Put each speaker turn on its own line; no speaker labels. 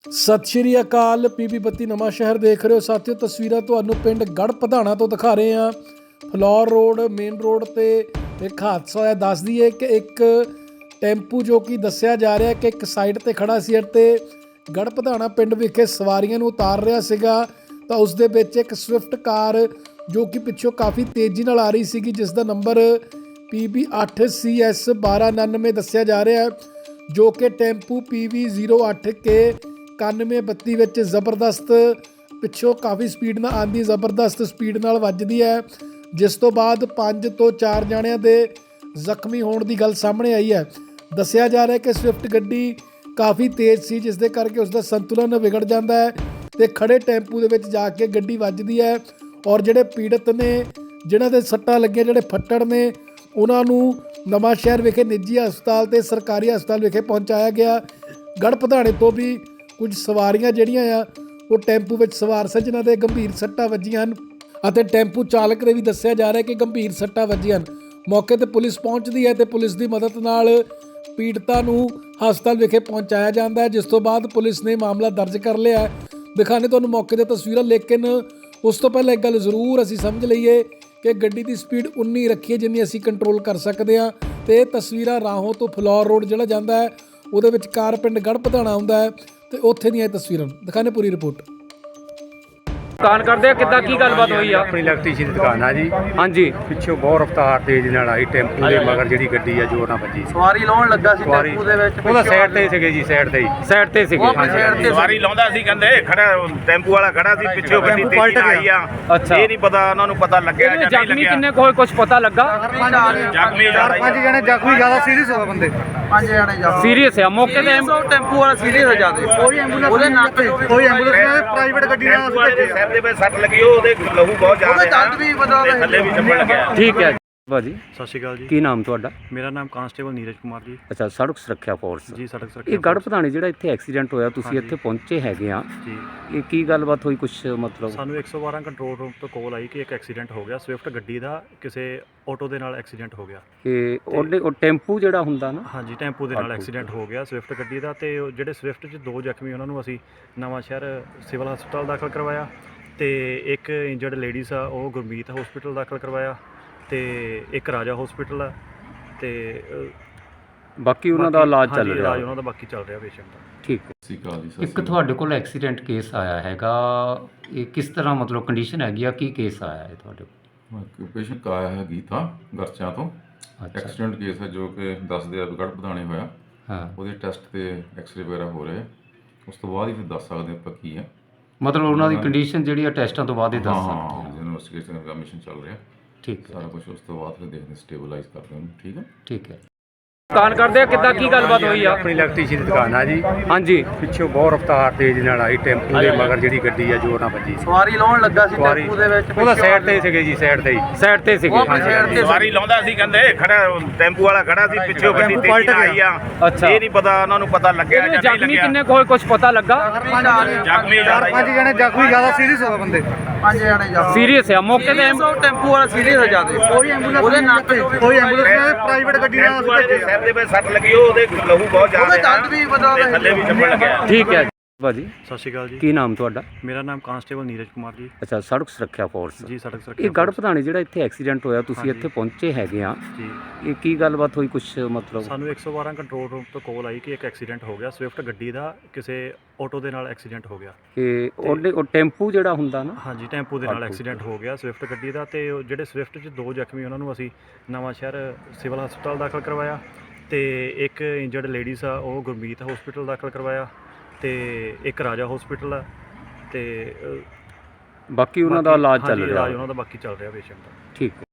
ਸਤਿ ਸ਼੍ਰੀ ਅਕਾਲ। ਪੀਬੀ 32 ਨਵਾਂ ਸ਼ਹਿਰ ਦੇਖ ਰਹੇ ਹੋ ਸਾਥੀਓ। ਤਸਵੀਰਾਂ ਤੁਹਾਨੂੰ ਪਿੰਡ ਗੜ੍ਹ ਪ੍ਰਧਾਨਾ ਤੋਂ ਦਿਖਾ ਰਹੇ ਹਾਂ। ਫਲੋਰ ਰੋਡ ਮੇਨ ਰੋਡ ਤੇ ਇੱਕ ਹਾਦਸਾ ਹੋਇਆ। ਦੱਸ ਦਈਏ ਕਿ ਇੱਕ ਟੈਂਪੂ ਜੋ ਕਿ ਦੱਸਿਆ ਜਾ ਰਿਹਾ ਕਿ ਇੱਕ ਸਾਈਡ ਤੇ ਖੜਾ ਸੀ ਅਤੇ ਗੜ੍ਹ ਪ੍ਰਧਾਨਾ ਪਿੰਡ ਵਿਖੇ ਸਵਾਰੀਆਂ ਨੂੰ ਉਤਾਰ ਰਿਹਾ ਸੀਗਾ, ਤਾਂ ਉਸ ਦੇ ਵਿੱਚ ਇੱਕ ਸਵਿਫਟ ਕਾਰ ਜੋ ਕਿ ਪਿੱਛੋਂ ਕਾਫੀ ਤੇਜ਼ੀ ਨਾਲ ਆ ਰਹੀ ਸੀਗੀ, ਜਿਸ ਦਾ ਨੰਬਰ PB 8CS 1299 ਦੱਸਿਆ ਜਾ ਰਿਹਾ ਹੈ, ਜੋ ਕਿ ਟੈਂਪੂ PV 08K 9132 ਵਿੱਚ ਜ਼ਬਰਦਸਤ ਪਿੱਛੋਂ ਕਾਫੀ ਸਪੀਡ ਨਾਲ ਆਉਂਦੀ, ਜ਼ਬਰਦਸਤ ਸਪੀਡ ਨਾਲ ਵੱਜਦੀ ਹੈ, ਜਿਸ ਤੋਂ ਬਾਅਦ 5 ਤੋਂ 4 ਜਣਿਆਂ ਦੇ ਜ਼ਖਮੀ ਹੋਣ ਦੀ ਗੱਲ ਸਾਹਮਣੇ ਆਈ ਹੈ। ਦੱਸਿਆ ਜਾ ਰਿਹਾ ਕਿ ਸਵਿਫਟ ਗੱਡੀ ਕਾਫੀ ਤੇਜ਼ ਸੀ, ਜਿਸ ਦੇ ਕਰਕੇ ਉਸ ਦਾ ਸੰਤੁਲਨ ਵਿਗੜ ਜਾਂਦਾ ਹੈ ਤੇ ਖੜੇ ਟੈਂਪੂ ਦੇ ਵਿੱਚ ਜਾ ਕੇ ਗੱਡੀ ਵੱਜਦੀ ਹੈ ਔਰ ਜਿਹੜੇ ਪੀੜਤ ਨੇ, ਜਿਨ੍ਹਾਂ ਦੇ ਸੱਟਾਂ ਲੱਗੀਆਂ, ਜਿਹੜੇ ਫੱਟੜ ਨੇ, ਉਹਨਾਂ ਨੂੰ ਨਵਾਂ ਸ਼ਹਿਰ ਵਿਖੇ ਨਿੱਜੀ ਹਸਪਤਾਲ ਤੇ ਸਰਕਾਰੀ ਹਸਪਤਾਲ ਵਿਖੇ ਪਹੁੰਚਾਇਆ ਗਿਆ। ਗੜ੍ਹ ਪ੍ਰਧਾਨੇ ਤੋਂ ਵੀ ਕੁਝ ਸਵਾਰੀਆਂ ਜਿਹੜੀਆਂ ਆ ਉਹ ਟੈਂਪੂ ਵਿੱਚ ਸਵਾਰ ਸਨ, ਜਿਨ੍ਹਾਂ ਦੇ ਗੰਭੀਰ ਸੱਟਾਂ ਵੱਜੀਆਂ ਹਨ ਅਤੇ ਟੈਂਪੂ ਚਾਲਕ ਦੇ ਵੀ ਦੱਸਿਆ ਜਾ ਰਿਹਾ ਕਿ ਗੰਭੀਰ ਸੱਟਾਂ ਵੱਜੀਆਂ ਹਨ। ਮੌਕੇ ਤੇ ਪੁਲਿਸ ਪਹੁੰਚਦੀ ਹੈ ਤੇ ਪੁਲਿਸ ਦੀ ਮਦਦ ਨਾਲ ਪੀੜਤਾਂ ਨੂੰ ਹਸਪਤਾਲ ਵਿਖੇ ਪਹੁੰਚਾਇਆ ਜਾਂਦਾ ਹੈ, ਜਿਸ ਤੋਂ ਬਾਅਦ ਪੁਲਿਸ ਨੇ ਮਾਮਲਾ ਦਰਜ ਕਰ ਲਿਆ। ਦਿਖਾਣੇ ਤੁਹਾਨੂੰ ਮੌਕੇ ਤੇ ਤਸਵੀਰਾਂ, ਲੇਕਿਨ ਉਸ ਤੋਂ ਪਹਿਲਾਂ ਇੱਕ ਗੱਲ ਜ਼ਰੂਰ ਅਸੀਂ ਸਮਝ ਲਈਏ ਕਿ ਗੱਡੀ ਦੀ ਸਪੀਡ ਉਨੀ ਰੱਖੀਏ ਜਿੰਨੀ ਅਸੀਂ ਕੰਟਰੋਲ ਕਰ ਸਕਦੇ ਹਾਂ। ਤੇ ਇਹ ਤਸਵੀਰਾਂ ਰਾਹੋਂ ਤੋਂ ਫਲੋਰ ਰੋਡ ਜਿਹੜਾ ਜਾਂਦਾ ਹੈ ਉਹਦੇ ਵਿੱਚ ਕਾਰ ਪਿੰਡ ਗੜ੍ਹ ਪ੍ਰਧਾਨਾ ਆਉਂਦਾ ਹੈ ਤੇ ਉੱਥੇ ਦੀਆਂ ਇਹ ਤਸਵੀਰਾਂ ਦਿਖਾਣੇ। ਪੂਰੀ ਰਿਪੋਰਟ
ਦੁਕਾਨ ਕਰਦੇ ਆ, ਕਿੱਦਾਂ ਕੀ ਗੱਲਬਾਤ ਹੋਈ ਆ?
ਆਪਣੀ ਇਲੈਕਟ੍ਰੀਸ਼ੀਅਨ ਦੀ ਦੁਕਾਨ ਆ ਜੀ।
ਹਾਂਜੀ,
ਪਿੱਛੋਂ ਬਹੁਤ ਰਫ਼ਤਾਰ ਤੇਜ਼ ਨਾਲ ਆਈ, ਟੈਂਪੂ ਦੇ ਮਗਰ ਜਿਹੜੀ ਗੱਡੀ ਆ ਜ਼ੋਰ ਨਾਲ ਵੱਜੀ।
ਸਵਾਰੀ ਲਾਉਣ ਲੱਗਾ ਸੀ ਟੈਂਪੂ ਦੇ ਵਿੱਚ,
ਉਹਦਾ ਸਾਈਡ ਤੇ ਸੀਗੇ ਜੀ, ਸਾਈਡ ਤੇ ਹੀ।
ਸਾਈਡ ਤੇ ਸੀਗੇ।
ਸਵਾਰੀ ਲਾਉਂਦਾ ਸੀ, ਕਹਿੰਦੇ ਖੜਾ ਟੈਂਪੂ ਵਾਲਾ ਖੜਾ ਸੀ, ਪਿੱਛੋਂ ਗੱਡੀ ਤੇਜ਼ ਆਈ ਆ।
ਅੱਛਾ,
ਇਹ ਨਹੀਂ ਪਤਾ ਉਹਨਾਂ ਨੂੰ ਪਤਾ ਲੱਗਿਆ ਜਾਂ ਨਹੀਂ
ਜ਼ਖਮੀ
ਲੱਗਿਆ।
ਕਿੰਨੇ ਕੋਈ ਕੁਝ ਪਤਾ ਲੱਗਾ?
ਜ਼ਖਮੀ
ਚਾਰ ਪੰਜ ਜਣੇ ਜ਼ਖਮੀ, ਜ਼ਿਆਦਾ ਸੀਰੀਅਸ ਹੋ ਬੰਦੇ।
5 ਜਣੇ ਜਾ
ਸੀਰੀਅਸ ਆ ਮੌਕੇ ਤੇ?
ਟੈਂਪੂ ਵਾਲਾ ਸੀਰੀਅਸ ਹੋ ਜਾਦੇ, ਕੋਈ ਐਂਬੂਲੈਂਸ ਉਹਦੇ ਨੱਕ
ਕੋਈ ਐਂਬੂਲੈਂਸ ਨਹੀਂ, ਪ੍ਰਾਈਵੇਟ ਗੱਡੀ ਨਾਲ
ਸਿਰ ਦੇ ਵਿੱਚ ਸੱਟ ਲੱਗੀ, ਉਹਦੇ ਲਹੂ ਬਹੁਤ ਜ਼ਿਆਦਾ
ਉਹਦੇ ਦੰਦ ਵੀ ਬਦਲ
ਤੇ ਥੱਲੇ ਵੀ ਚੱਪਣ ਲੱਗਿਆ।
ਠੀਕ ਹੈ ਭਾਜੀ,
ਸਤਿ ਸ਼੍ਰੀ ਅਕਾਲ ਜੀ।
ਕੀ ਨਾਮ ਤੁਹਾਡਾ?
ਮੇਰਾ ਨਾਮ ਕਾਂਸਟੇਬਲ ਨੀਰਜ ਕੁਮਾਰ ਜੀ।
ਅੱਛਾ, ਸੜਕ ਸੁਰੱਖਿਆ ਫੋਰਸ
ਜੀ, ਸੜਕ ਸੁਰੱਖਿਆ
ਇਹ ਗੜ੍ਹ ਪ੍ਰਧਾਨੇ ਜਿਹੜਾ ਇੱਥੇ ਐਕਸੀਡੈਂਟ ਹੋਇਆ, ਤੁਸੀਂ ਇੱਥੇ ਪਹੁੰਚੇ ਹੈਗੇ ਆ
ਜੀ।
ਇਹ ਕੀ ਗੱਲਬਾਤ ਹੋਈ ਕੁਛ ਮਤਲਬ?
ਸਾਨੂੰ 112 ਕੰਟਰੋਲ ਰੂਮ ਤੋਂ ਕਾਲ ਆਈ ਕਿ ਇੱਕ ਐਕਸੀਡੈਂਟ ਹੋ ਗਿਆ, ਸਵਿਫਟ ਗੱਡੀ ਦਾ ਕਿਸੇ ਆਟੋ ਦੇ ਨਾਲ ਐਕਸੀਡੈਂਟ ਹੋ ਗਿਆ।
ਇਹ ਉਹ ਟੈਂਪੂ ਜਿਹੜਾ ਹੁੰਦਾ ਨਾ?
ਹਾਂਜੀ, ਟੈਂਪੂ ਦੇ ਨਾਲ ਐਕਸੀਡੈਂਟ ਹੋ ਗਿਆ ਸਵਿਫਟ ਗੱਡੀ ਦਾ, ਤੇ ਉਹ ਜਿਹੜੇ ਸਵਿਫਟ 'ਚ 2 ਜ਼ਖਮੀ ਉਹਨਾਂ ਨੂੰ ਅਸੀਂ ਨਵਾਂ ਸ਼ਹਿਰ ਸਿਵਲ ਹਸਪਤਾਲ ਦਾਖਲ ਕਰਵਾਇਆ, ਤੇ ਇੱਕ ਇੰਜਰਡ ਲੇਡੀਜ਼ ਆ ਉਹ ਗੁਰਮੀਤ ਹਸਪੀਟਲ ਦਾਖਲ ਕਰਵਾਇਆ, ਤੇ ਇੱਕ ਰਾਜਾ ਹਸਪੀਟਲ ਆ, ਤੇ
ਬਾਕੀ ਉਹਨਾਂ ਦਾ ਇਲਾਜ ਚੱਲ ਰਿਹਾ?
ਉਹਨਾਂ ਦਾ ਬਾਕੀ ਚੱਲ ਰਿਹਾ ਪੇਸ਼ੈਂਟ ਦਾ।
ਠੀਕ ਹੈ। ਇੱਕ ਤੁਹਾਡੇ ਕੋਲ ਐਕਸੀਡੈਂਟ ਕੇਸ ਆਇਆ ਹੈਗਾ, ਇਹ ਕਿਸ ਤਰ੍ਹਾਂ ਮਤਲਬ ਕੰਡੀਸ਼ਨ ਹੈਗੀ ਆ, ਕੀ ਕੇਸ ਆਇਆ ਹੈ ਤੁਹਾਡੇ ਕੋਲ?
ਪੇਸ਼ੈਂਟ ਆਇਆ ਹੈ ਗੀਤਾ ਗਰਚਾ ਤੋਂ। ਐਕਸੀਡੈਂਟ ਕੇਸ ਹੈ ਜੋ ਕਿ ਦੱਸਦੇ ਆ ਗੜ੍ਹ ਪ੍ਰਧਾਨੇ ਹੋਇਆ।
ਹਾਂ,
ਉਹਦੇ ਟੈਸਟ ਤੇ ਐਕਸਰੇ ਵਗੈਰਾ ਹੋ ਰਹੇ, ਉਸ ਤੋਂ ਬਾਅਦ ਹੀ ਫਿਰ ਦੱਸ ਸਕਦੇ ਆਪਾਂ ਕੀ ਹੈ।
ਮਤਲਬ ਉਹਨਾਂ ਦੀ ਕੰਡੀਸ਼ਨ ਜਿਹੜੀ ਆ ਟੈਸਟਾਂ ਤੋਂ ਬਾਅਦ ਹੀ ਦੱਸ ਸਕਦੇ
ਹਾਂ, ਇਨਵੈਸਟੀਗੇਸ਼ਨ ਦਾ ਮਿਸ਼ਨ ਚੱਲ ਰਿਹਾ।
ਠੀਕ ਹੈ,
ਸਾਰਾ ਕੁਝ ਉਸ ਤੋਂ ਬਾਅਦ ਫਿਰ ਦੇਖਦੇ ਸਟੇਬਲਾਈਜ਼ ਕਰਦੇ ਉਹਨੂੰ। ਠੀਕ ਹੈ,
ਠੀਕ ਹੈ। ਦੁਕਾਨ ਕਰਦੇ ਆ, ਕਿੱਦਾਂ ਕੀ ਗੱਲਬਾਤ ਹੋਈ ਆ?
ਆਪਣੀ ਇਲੈਕਟ੍ਰੀਸ਼ੀਅਨ ਦੀ ਦੁਕਾਨ ਆ ਜੀ।
ਹਾਂਜੀ,
ਪਿੱਛੋਂ ਬਹੁਤ ਰਫ਼ਤਾਰ ਤੇਜ਼ ਨਾਲ ਆਈ, ਟੈਂਪੂ ਦੇ ਮਗਰ ਜਿਹੜੀ ਗੱਡੀ ਆ ਜ਼ੋਰ ਨਾਲ ਵੱਜੀ।
ਸਵਾਰੀ ਲਾਉਣ ਲੱਗਾ ਸੀ ਟੈਂਪੂ ਦੇ ਵਿੱਚ,
ਉਹਦਾ ਸਾਈਡ ਤੇ ਸੀਗੇ ਜੀ, ਸਾਈਡ ਤੇ ਹੀ।
ਸਾਈਡ ਤੇ ਸੀਗੇ।
ਸਵਾਰੀ ਲਾਉਂਦਾ ਸੀ, ਕਹਿੰਦੇ ਖੜਾ ਟੈਂਪੂ ਵਾਲਾ ਖੜਾ ਸੀ, ਪਿੱਛੋਂ ਗੱਡੀ ਤੇਜ਼ ਆਈ ਆ।
ਅੱਛਾ,
ਇਹ ਨਹੀਂ ਪਤਾ ਉਹਨਾਂ ਨੂੰ ਪਤਾ ਲੱਗਿਆ ਜਾਂ ਨਹੀਂ
ਜ਼ਖਮੀ
ਲੱਗਿਆ।
ਕਿੰਨੇ ਕੋਈ ਕੁਝ ਪਤਾ ਲੱਗਾ?
ਜ਼ਖਮੀ
ਚਾਰ ਪੰਜ ਜਣੇ ਜ਼ਖਮੀ, ਜ਼ਿਆਦਾ ਸੀਰੀਅਸ ਹੋ ਬੰਦੇ।
5 ਜਣੇ ਜਾ
ਸੀਰੀਅਸ ਆ ਮੌਕੇ ਤੇ?
ਟੈਂਪੂ ਵਾਲਾ ਸੀਰੀਅਸ ਹੋ ਜਾਦੇ, ਕੋਈ ਐਂਬੂਲੈਂਸ ਉਹਦੇ ਨੱਕ
ਕੋਈ ਐਂਬੂਲੈਂਸ ਨਹੀਂ, ਪ੍ਰਾਈਵੇਟ ਗੱਡੀ ਨਾਲ
ਸਿਰ ਦੇ ਵਿੱਚ ਸੱਟ ਲੱਗੀ, ਉਹਦੇ ਲਹੂ ਬਹੁਤ ਜ਼ਿਆਦਾ
ਉਹਦੇ ਦੰਦ ਵੀ ਬਦਲ
ਤੇ ਥੱਲੇ ਵੀ ਚੱਪਣ ਲੱਗਿਆ।
ਠੀਕ ਹੈ ਭਾਜੀ,
ਸਤਿ ਸ਼੍ਰੀ ਅਕਾਲ ਜੀ।
ਕੀ ਨਾਮ ਤੁਹਾਡਾ?
ਮੇਰਾ ਨਾਮ ਕਾਂਸਟੇਬਲ ਨੀਰਜ ਕੁਮਾਰ ਜੀ।
ਅੱਛਾ, ਸੜਕ ਸੁਰੱਖਿਆ ਫੋਰਸ।
ਜੀ, ਸੜਕ ਸੁਰੱਖਿਆ
ਇਹ ਗੜ੍ਹ ਪ੍ਰਧਾਨੇ ਜਿਹੜਾ ਇੱਥੇ ਐਕਸੀਡੈਂਟ ਹੋਇਆ, ਤੁਸੀਂ ਇੱਥੇ ਪਹੁੰਚੇ ਹੈਗੇ ਆ,
ਜੀ।
ਇਹ ਕੀ ਗੱਲਬਾਤ ਹੋਈ ਕੁਛ ਮਤਲਬ?
ਸਾਨੂੰ 112 ਕੰਟਰੋਲ ਰੂਮ ਤੋਂ ਕਾਲ ਆਈ ਕਿ ਇੱਕ ਐਕਸੀਡੈਂਟ ਹੋ ਗਿਆ, ਸਵਿਫਟ ਗੱਡੀ ਦਾ ਕਿਸੇ ਆਟੋ ਦੇ ਨਾਲ ਐਕਸੀਡੈਂਟ ਹੋ ਗਿਆ।
ਇਹ ਉਹ ਟੈਂਪੂ ਜਿਹੜਾ ਹੁੰਦਾ ਨਾ?
ਹਾਂਜੀ, ਟੈਂਪੂ ਦੇ ਨਾਲ ਐਕਸੀਡੈਂਟ ਹੋ ਗਿਆ ਸਵਿਫਟ ਗੱਡੀ ਦਾ, ਤੇ ਉਹ ਜਿਹੜੇ ਸਵਿਫਟ 'ਚ 2 ਜ਼ਖਮੀ ਉਹਨਾਂ ਨੂੰ ਅਸੀਂ ਨਵਾਂ ਸ਼ਹਿਰ ਸਿਵਲ ਹਸਪਤਾਲ ਦਾਖਲ ਕਰਵਾਇਆ, ਤੇ ਇੱਕ ਇੰਜਰਡ ਲੇਡੀਜ਼ ਆ ਉਹ ਗੁਰਮੀਤ ਹਸਪੀਟਲ ਦਾਖਲ ਕਰਵਾਇਆ, ਤੇ ਇੱਕ ਰਾਜਾ ਹਸਪੀਟਲ ਆ, ਤੇ
ਬਾਕੀ ਉਹਨਾਂ ਦਾ ਇਲਾਜ ਚੱਲ ਰਿਹਾ?
ਉਹਨਾਂ ਦਾ ਬਾਕੀ ਚੱਲ ਰਿਹਾ ਪੇਸ਼ੈਂਟ ਦਾ।
ਠੀਕ ਹੈ।